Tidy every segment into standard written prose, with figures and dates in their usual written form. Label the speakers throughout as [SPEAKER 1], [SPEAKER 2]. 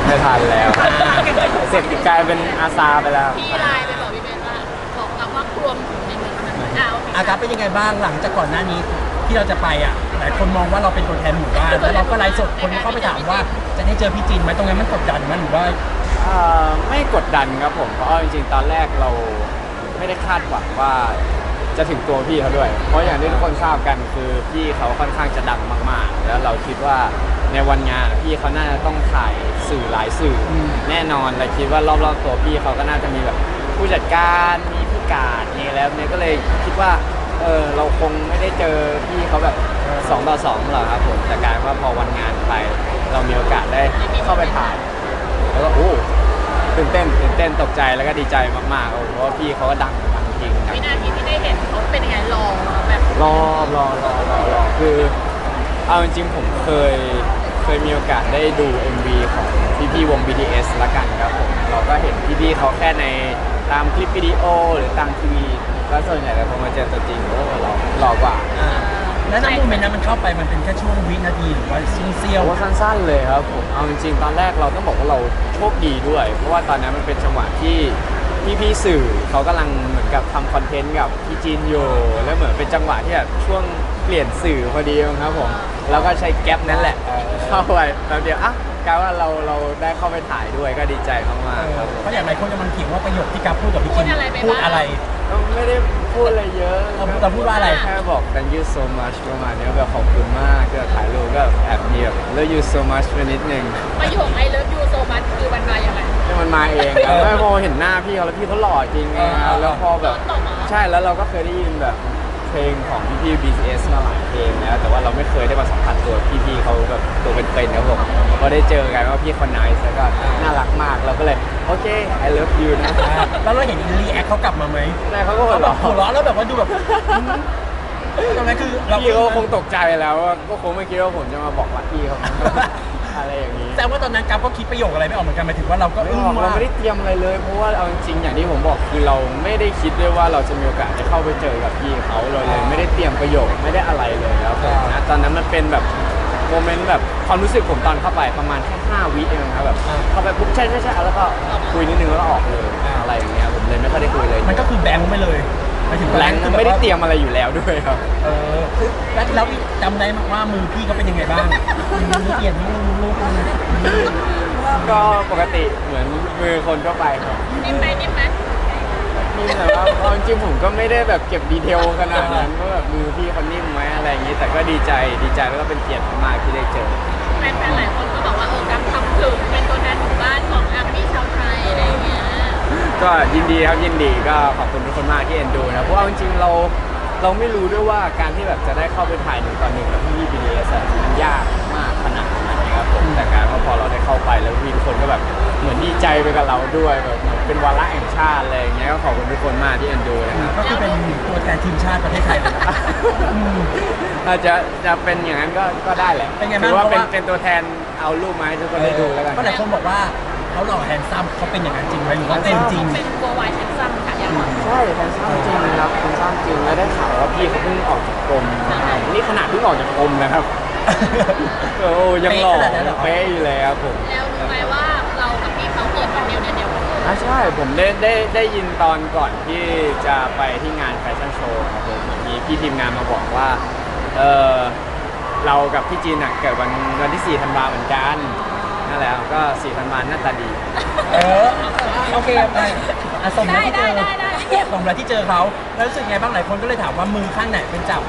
[SPEAKER 1] ไม่ทันแล้วเสร็จกลายเป็นอาซาไปแล้ว
[SPEAKER 2] พี่ไลน์ไปบอกพี่เบนว่าบอกกับว่ารวมในเมืองขนาดนั้น
[SPEAKER 3] อาการเป็นยังไงบ้างหลังจากก่อนหน้านี้ที่เราจะไปอ่ะหลายคนมองว่าเราเป็นตัวแทนหมู่บ้านแล้วเราก็ไลฟ์สดคนเข้าไปถามว่าจะได้เจอพี่จินไหมตรงนั้นมันกดดันไหมหรือว่า
[SPEAKER 1] ไม่กดดันครับผมเพราะจริงๆตอนแรกเราไม่ได้คาดหวังว่าจะถึงตัวพี่เขาด้วย เพราะอย่างที่ทุกคนทราบกันคือพี่เขาค่อนข้างจะดังมากๆแล้วเราคิดว่าในวันงานพี่เขาน่าจะต้องถ่ายสื่อหลายสื่อแน่นอนเราคิดว่ารอบๆตัวพี่เขาก็น่าจะมีแบบผู้จัดการมีผู้การนี่แล้วเนี่ยก็เลยคิดว่าเราคงไม่ได้เจอพี่เขาแบบ2 ต่อ 2หรอกครับผมแต่กลายว่าพอวันงานไปเรามีโอกาสได้เข้าไปถ่ายแล้วก็ตื่นเต้นตกใจแล้วก็ดีใจมากๆเพราะว่าพี่เขาก็ดังจริงครับ
[SPEAKER 2] วินาทีที่ได้เห็นเขาเป็นยังไงรอแบบ
[SPEAKER 1] รอคือเอาจริงๆผมเคยมีโอกาสได้ดู MV ของพี่วง BTS ละกันครับผมเราก็เห็นพี่เขาแค่ในตามคลิปวิดีโอหรือตามทีวีก็ส่วนใหญ่แต่พอมาเจอตัวจริงหล่อกว่า
[SPEAKER 3] แล้วในโมเมนต์นั้นมันเข้าไปมันเป็นแค่ช่วงวินาทีหรือว่าเสี้ยว
[SPEAKER 1] สั้นๆเลยครับผมเอาจริงๆตอนแรกเราต้องบอกว่าเราโชคดีด้วยเพราะว่าตอนนั้นมันเป็นจังหวะที่พี่สื่อเขากำลังเหมือนกับทำคอนเทนต์กับพี่จีนอยู่แล้วเหมือนเป็นจังหวะที่แบบช่วงเปลี่ยนสื่อพอดีครับผมแล้วก็ใช้แก๊ปนั่นแหละเข้าไปแป๊บเดียวกลายว่าเราได้เข้าไปถ่ายด้วยก็ดีใจมากๆครับ
[SPEAKER 3] เพราะอย่างไรคนกำลังเถียงว่าประโยคที่กัฟพูดกับพี่จินพูดอะไร
[SPEAKER 1] ไม่ได้พูดอะไรเยอะ
[SPEAKER 3] เราพูดว่าอะไร
[SPEAKER 1] แค่บอก thank you so much ประมาณนี้แบบขอบคุณมากที่ถ่ายรูปก็แอบมีแบบ love you so much ไปนิดนึง
[SPEAKER 2] ประโยค I love you so much คือมันมาอย่างไร
[SPEAKER 1] มันมาเองแล้วพอเห็นหน้าพี่เขาแล้วพี่เขาหล่อจริงแล้วพอแบบใช่แล้วเราก็เคยได้ยินแบบเพลงของพี่ BTS มาหลายเพลงแล้วแต่ว่าเราไม่เคยได้มาสัมผัสตัวพี่เขาแบบตัวเป็นๆครับผมพอได้เจอกันว่าพี่คนไหนแล้วก็น่ารักมากเราก็เลยโอเค I love you นะ
[SPEAKER 3] แล้วเราเห็นรีแอคเขากลับมาไหม
[SPEAKER 1] แต่เขาก็หัว
[SPEAKER 3] เราะแล้วแบบว่าดูแบบตอนนั้นคือ
[SPEAKER 1] พี่เขาคงตกใจแล้วก็คงไม่คิดว่าผมจะมาบอกรักพี่เขาอะไรอย่างนี้
[SPEAKER 3] แต่ว่าตอนนั้นกัฟก็คิดประโยคอะไรไม่ออกเหมือนกันหมายถึงว่าเราก็
[SPEAKER 1] เราไม่ได้เตรียมอะไรเลยเพราะว่าเอาจริงๆอย่างที่ผมบอกคือเราไม่ได้คิดด้วยว่าเราจะมีโอกาสได้เข้าไปเจอกับพี่เขาเลยไม่ได้เตรียมประโยคไม่ได้อะไรเลยแล้วนะตอนนั้นมันเป็นแบบโมเมนต์แบบความรู้สึกผมตอนเข้าไปประมาณแค่5 วิเองครับแบบเข้าไปปุ๊บใช่แล้วก็คุยนิดนึงแล้วก็ออกเลยอะไรอย่างเงี้ยผมเลยไม่ค่อยได้คุยเลย
[SPEAKER 3] มันก็คือแบงค์ไปเลย
[SPEAKER 1] แบงค์ไม่ได้เตรียมอะไรอยู่แล้วด้วยครับ
[SPEAKER 3] แล้วจำได้ว่ามือพี่เขาเป็นยังไงบ้างมือเปลี่ยนรูป
[SPEAKER 1] ก็ปกติเหมือนมือคนทั่วไปครับ
[SPEAKER 2] นิ่มไหม
[SPEAKER 1] นี่แต่ว่าจริงๆผมก็ไม่ได้แบบเก็บดีเทลขนาดนั้นว่าแบบมือพี่เขานิ่มไหมอะไรอย่างนี้แต่ก็ดีใจแล้วก็เป็นเกียรติมากที่ได้เจอ
[SPEAKER 2] แฟนๆหลายคนก็บอกว่ากัฟทำถึงเป็นตัวแทนหมู่บ้านของอาร์มี่ชาวไทยอะไรอย่างเงี้ย
[SPEAKER 1] ก็ยินดีครับยินดีก็ขอบคุณทุกคนมากที่เอ็นดูนะเพราะว่าจริงๆเราไม่รู้ด้วยว่าการที่แบบจะได้เข้าไปถ่าย1 ต่อ 1กับพี่ BTS มันยากมากขนาดไหนครับผมแต่การพอเราได้เข้าไปแล้วพี่ทุกคนก็แบบเหมือนดีใจไปกับเราด้วยแบบเป็นวาระแห่งชาติอะไรอย่างเงี้ยก็ขอบคุณทุกคนมากที่เอ็นดูนะครับ
[SPEAKER 3] ก็คือเป็นตัวแทนทีมชาติประเทศไทยเลย
[SPEAKER 1] อาจจะเป็นอย่างนั้นก็ได้แหละ
[SPEAKER 3] เป็นไงบ้าง
[SPEAKER 1] ว่าเป็นตัวแทนเอารูปมาให้ทุกคนได้ดูแล้วกัน
[SPEAKER 3] ก็หลายคนบอกว่าเขาหล่อแฮนซัมเขาเป็นอย่างนั้นจริงไหมหรือว่าเป็นจริง
[SPEAKER 2] เป็นโกวายแฮนซัมค่ะอย่าง
[SPEAKER 1] ใช่แฮนซัมจริงนะครับแฮนซัมจริงแล้วได้ข่าวว่าพี่เขาเพิ่งออกจากกรมนี่ขนาดเพิ่งออกจากกรมนะครับยังหล่อเป๊ะอยู่เลยครับผม
[SPEAKER 2] แล้วรู้ไหมว่าเรากับพี่เขาเกิดวันเดียวกัน
[SPEAKER 1] ใช่ผมได้ยินตอนก่อนที่จะไปที่งานแฟชั่นโชว์ครับผมมีพี่ทีมงานมาบอกว่าเรากับพี่จีนเกิดวันที่4 ธันวาเหมือนกันนั่นแหละก็4 ธันวาหน้าตาดี
[SPEAKER 3] โอเคไปสมแล้วที่เจอเขาแล้วรู้สึกไงบ้างหลายคนก็เลยถามว่ามือข้างไหนเป็นจับ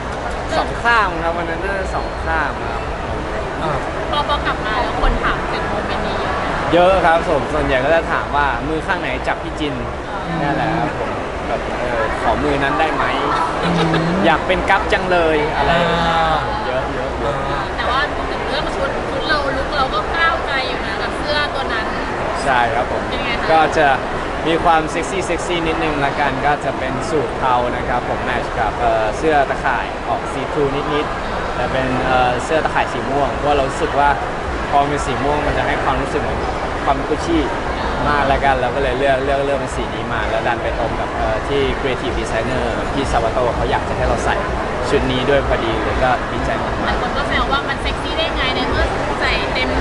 [SPEAKER 1] 2 ข้างครับวันนั้นน่าจะ2 ข้างครับ
[SPEAKER 2] พอกลับมาแล้วคนถามถึงโมเมนต์นี้
[SPEAKER 1] เยอะครับส่วนใหญ่ก็จะถามว่ามือข้างไหนจับพี่จินนี่แหละครับผมแบบขอมือนั้นได้ไหมอยากเป็นกั๊บจังเลยอะไรเยอะ
[SPEAKER 2] แต่ว่าถึงเรื่องชุดลุคเราก็ก้าวไกลอยู่นะกับเสื้อตัวนั้น
[SPEAKER 1] ใช่ครับผมก็จะมีความเซ็กซี่นิดนึงละกันก็จะเป็นสูทเทานะครับผมแมทช์กับเสื้อตะข่ายออกซีทรูนิดแต่เป็นเสื้อตะข่ายสีม่วงเพราะเรารู้สึกว่าพอเป็นสีม่วงมันจะให้ความรู้สึกเหมือนความกุชชี่มากแล้วกันเราก็เลยเลือกเป็นสีนี้มาแล้วดันไปตรงกับที่ Creative Designer พี่ซาวาโตเขาอยากจะให้เราใส่ชุดนี้ด้วยพอดีเลยก็ดีใจมาก
[SPEAKER 2] ๆแต่คนก็แซวว่ามันเซ็กซี่ได้ไงในเมื่อใส่เต็ม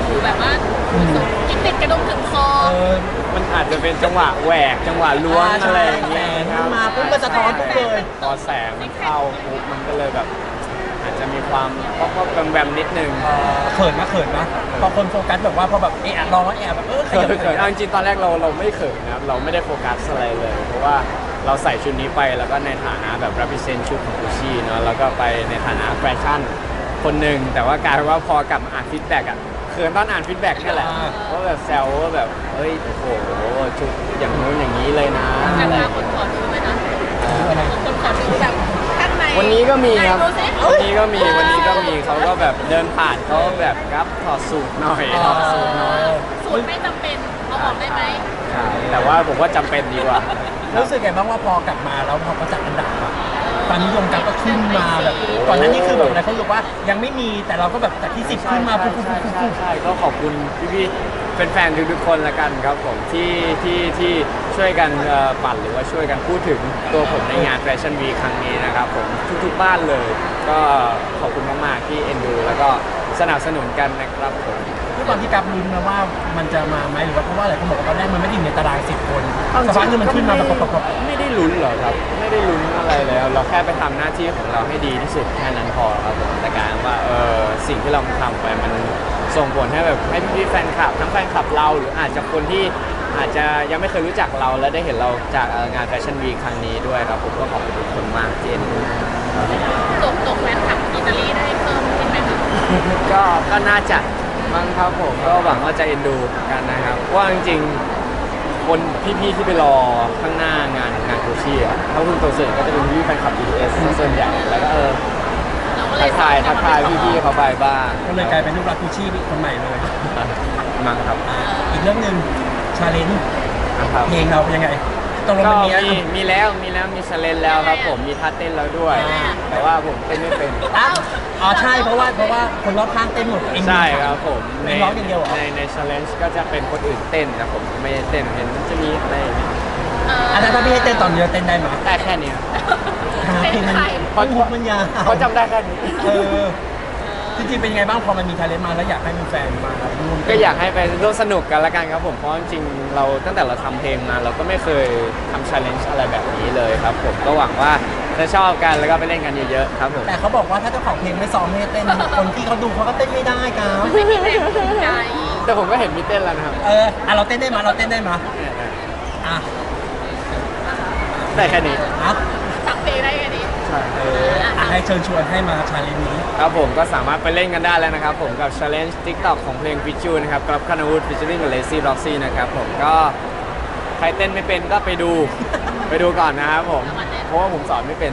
[SPEAKER 2] อยู่แบบว่ากินติดกระดุมถึงคอ
[SPEAKER 3] เออ
[SPEAKER 1] มันอาจจะเป็นจังหวะแหวกจังหวะล้วงอะไรอย่างเงี้ย
[SPEAKER 3] แสง
[SPEAKER 1] ครับ
[SPEAKER 3] มาปุ๊บมันสะท้อนปุ๊บเลย
[SPEAKER 1] พอแสงมันเข้าปุ๊บมันก็เลยแบบ อาจจะมีความก็แวมๆนิดนึง
[SPEAKER 3] เขินนะพอคนโฟกัสแบบว่าพอแบบลองแล้วแบบข
[SPEAKER 1] เขิ
[SPEAKER 3] ยับ
[SPEAKER 1] นเอาจริงๆตอนแรกเราไม่เขินนะครับเราไม่ได้โฟกัสอะไรเลย เพราะว่าเราใส่ชุดนี้ไปแล้วก็ในฐานะแบบ represent ชุดของ Gucci เนอะแล้วก็ไปในฐานะแฟชั่นคนหนึ่งแต่ว่ากลายเป็นว่าพอกลับมาอ่านฟีดแบ็กอะเขินตอนอ่านฟีดแบ็กนี่แหละว่าแบบแซวว่าแบบเฮ้ยโอ้โหชุดอย่างนู้นอย่างนี้เลยนะ
[SPEAKER 2] แต่
[SPEAKER 1] อะไร
[SPEAKER 2] ว่า
[SPEAKER 1] อย่าง
[SPEAKER 2] คน
[SPEAKER 1] เงี้ย
[SPEAKER 2] ขอดูไหมนะคนขอดูแบบข้างใน
[SPEAKER 1] วันนี้ก็มีครับ
[SPEAKER 2] ไหนดูสิ
[SPEAKER 1] วันนี้ก็มีเขาก็แบบเดินผ่านเขาแบบครับถอดสูตรหน่อยถอดสูตรหน่อย
[SPEAKER 2] สูตรไม่จำเป็นเอาออกได้ไหม
[SPEAKER 1] ใช่แต่ว่าผมว่าจำเป็นดีกว่า
[SPEAKER 3] รู้สึกไงบ้างว่าพอกลับมาแล้วพอเขาจัดอันดับอะความนิยมกันก็ขึ้นมาแบบก่อนหน้านี้คือแบบอะไรเขาบอกว่ายังไม่มีแต่เราก็แบบจากที่10ขึ้นมาปุ๊บ
[SPEAKER 1] ใช่ก็ขอบคุณพี่ๆแฟนๆทุกๆคนละกันครับผมที่ช่วยกันปั่นหรือว่าช่วยกันพูดถึงตัวผมในงานแฟชั่นวีครั้งนี้นะครับผมทุกๆบ้านเลย ก็ขอบคุณมากๆที่เอ็นดูแล้วก็สนับสนุนกันนะครับผม
[SPEAKER 3] ด้วยความที่กับลุ้นนะว่ามันจะมาไหมหรือว่าเพราะว่าอะไรเขาบอกว่าตอนแรกมันไม่ได้อยู่ในตาราง10 คนสักพักหนึงมันขึ้นมาแบบปบ
[SPEAKER 1] ไม่ได้ลุ้นหรอกครับ ไม่ได้ลุ้นอะไรแล้ว เราแค่ไปทำหน้าที่ของเราให้ดีที่สุดแค่นั้นพอครับผมแต่การว่าสิ่งที่เราทำไปมันส่งผลให้แบบให้พี่ๆแฟนคลับทั้งแฟนคลับเราหรืออาจจะคนที่อาจจะยังไม่เคยรู้จักเราและได้เห็นเราจากงานแฟชั่นวีครั้งนี้ด้วยครับผมก็ขอบคุณทุกคนมากที่เอ็นดู
[SPEAKER 2] ตกแฟนคลับอิตาลีได้เพิ่มขึ้นไหมคะ
[SPEAKER 1] ก็น่าจะมั้งครับผมก็หวังว่าจะเอ็นดูกันนะครับเพราะว่าจริงๆคนพี่ๆที่ไปรอข้างหน้างานโคชี่อ่ะถ้าคุณตัวเสร็จก็จะเป็นพี่ๆแฟนคลับ BTS ส่วนใหญ่แล้วก็
[SPEAKER 2] เราก็เล
[SPEAKER 1] ทั
[SPEAKER 2] ย
[SPEAKER 1] กทายพี่ๆเขาไปบ้าง
[SPEAKER 3] ๆก็เลยกลายเป็นลูกรักกูชี่คนใหม่เลย
[SPEAKER 1] มั้งครับ
[SPEAKER 3] อีกเรื่องหนึ่งชาเลนจ์
[SPEAKER 1] นะครับ
[SPEAKER 3] เพลงเราเป็นยังไงตกลง
[SPEAKER 1] ก็
[SPEAKER 3] มันมี
[SPEAKER 1] มีแล้วมีชาเลนแล้วครับผมมีท่าเต้นแล้วด้วย แต่ว่าผมเต้นไม่เป็น
[SPEAKER 3] อ้าวอ๋อใช่เพราะว่าคนรอบข้างเต้นหมดเอง
[SPEAKER 1] ใช่ครับผม
[SPEAKER 3] เองร้องอย่างเดียวเหรอ
[SPEAKER 1] ในชาเลนจ์ก็จะเป็นคนอื่นเต้นนะผมไม่ได้เต้นเห็นจะมีอะไรอย่างเงี้ย
[SPEAKER 3] อันนั้นถ้าพี่ให้เต้นตอนเดียวเต้นได้ไหม
[SPEAKER 1] ได้แค่นี้ครับ
[SPEAKER 3] เพลงมัน
[SPEAKER 1] เพราะ
[SPEAKER 3] มุกมันยาว
[SPEAKER 1] เขาจำได้แค่นี้
[SPEAKER 3] เออจริงๆเป็นยังไงบ้างพอมันมีชาเลนจ์มาแล้วอยากให้มีแฟนมาร่วม
[SPEAKER 1] ก็อยากให้ไปร่วมสนุกกันละกันครับผมเพราะจริงๆเราตั้งแต่เราทำเพลงมาเราก็ไม่เคยทำ challenge อะไรแบบนี้เลยครับผมก็หวังว่าจะชอบกันแล้วก็ไปเล่นกันเยอะๆครับผม
[SPEAKER 3] แต่เขาบอกว่าถ้าเจ้าของเพลงไม่ซ้อมให้เต้นคนที่เขาดูเขาก็เต้นไม่ได้ครับ
[SPEAKER 2] ไม่มีแรงจูงใจ
[SPEAKER 1] แต่ผมก็เห็นมีเต้นแล้วนะครับ
[SPEAKER 3] เราเต้นได้ไหมเราเต้นได้ไหมอ่ะ
[SPEAKER 1] ได้แค่นี้
[SPEAKER 3] อ่ะ
[SPEAKER 2] สักเพลงได้แค่นี้
[SPEAKER 1] ใช่
[SPEAKER 3] ให้เชิญชวนให้มาชาเลนจ์นี้
[SPEAKER 1] ครับผมก็สามารถไปเล่นกันได้แล้วนะครับผมกับ challenge TikTok ของเพลง f i t c h u นะครับกับคณวุฒิ featuring กับ Lazy Roxy นะครับผมก็ใครเต้นไม่เป็นก็ไปดู ไปดูก่อนนะครับผมเพราะว่าผมสอนไม่เป็น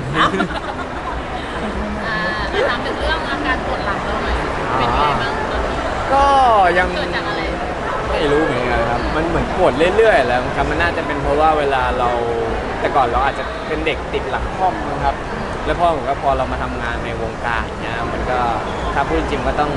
[SPEAKER 2] ถามถึงเรื่องอาการปวดหลังเราหน่อยเป็นยังไงบ้างตอนนี้
[SPEAKER 1] ก็ยัง
[SPEAKER 2] เกิดจากอะไร
[SPEAKER 1] ไม่รู้เหมือนกันครับ มันเหมือนปวดเรื่อยๆแล้วครับมันน่าจะเป็นเพราะว่าเวลาเราแต่ก่อนเราอาจจะเป็นเด็กติดหลังค่อมนะครับ แล้วพอเรามาทำงานในวงการเนี่ยมันก็ถ้าพูดจริงก็ต้อง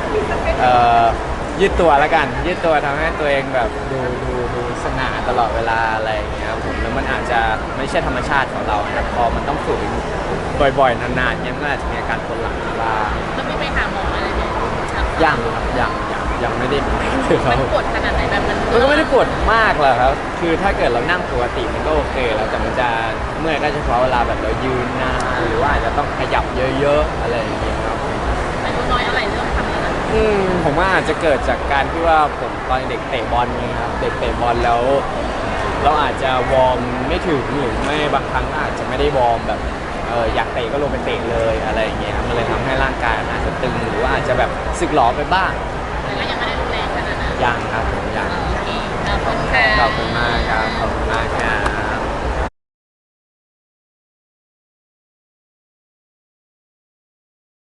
[SPEAKER 1] ยืดตัวแล้วกัน ยืดตัวทำให้ตัวเองแบบดูสง่าตลอดเวลาอะไรอย่างเงี้ยครับผมแล้วมันอาจจะไม่ใช่ธรรมชาติของเราแต่พอมันต้องฝืนบ่อยๆนานๆเนี่ยมันก็อาจจะมีอาการปวดหลังบ้าง
[SPEAKER 2] แล้วไม่ไปหาหมออะไรไหม
[SPEAKER 1] ยังครับยังไม่ได้ไปเลยค
[SPEAKER 2] มั
[SPEAKER 1] รับ
[SPEAKER 2] นปวดขนาดไหนแบบมัน
[SPEAKER 1] มันก็ไม่ได้ปวดมากหรอกครับ คือถ้าเกิดเรานั่งปกติมันก็โอเคแล้ว แต่มันจะเมื่อยก็เฉพาะเวลาแบบเรายืนนานหรือว่าอาจจะต้องขยับเยอะๆอะไรอย่างเงี้ยครับ
[SPEAKER 2] อายุน้อยอะไรเรื่องทำอะไร
[SPEAKER 1] ผมว่าอาจจะเกิดจากการที่ว่าผมตอนเด็กเตะบอลไงครับ เด็กเตะบอลแล้ว เราอาจจะวอร์มไม่ถึงหรือไม่บางครั้งอาจจะไม่ได้วอร์มแบบอยากเตะก็ลงไปเตะเลยอะไรอย่างเงี้ยครับมันเลยทำให้ร่างกายมันอาจจะตึงหรือว่าอาจจะแบบสึกหรอไปบ้าง
[SPEAKER 2] แต่ก็ยังไม่ได้รุนแรงขนาดนั้น
[SPEAKER 1] ยังครับผมยัง
[SPEAKER 2] โอเคขอบคุณค่ะ
[SPEAKER 1] ขอบคุณมากครับขอบคุณมากครับ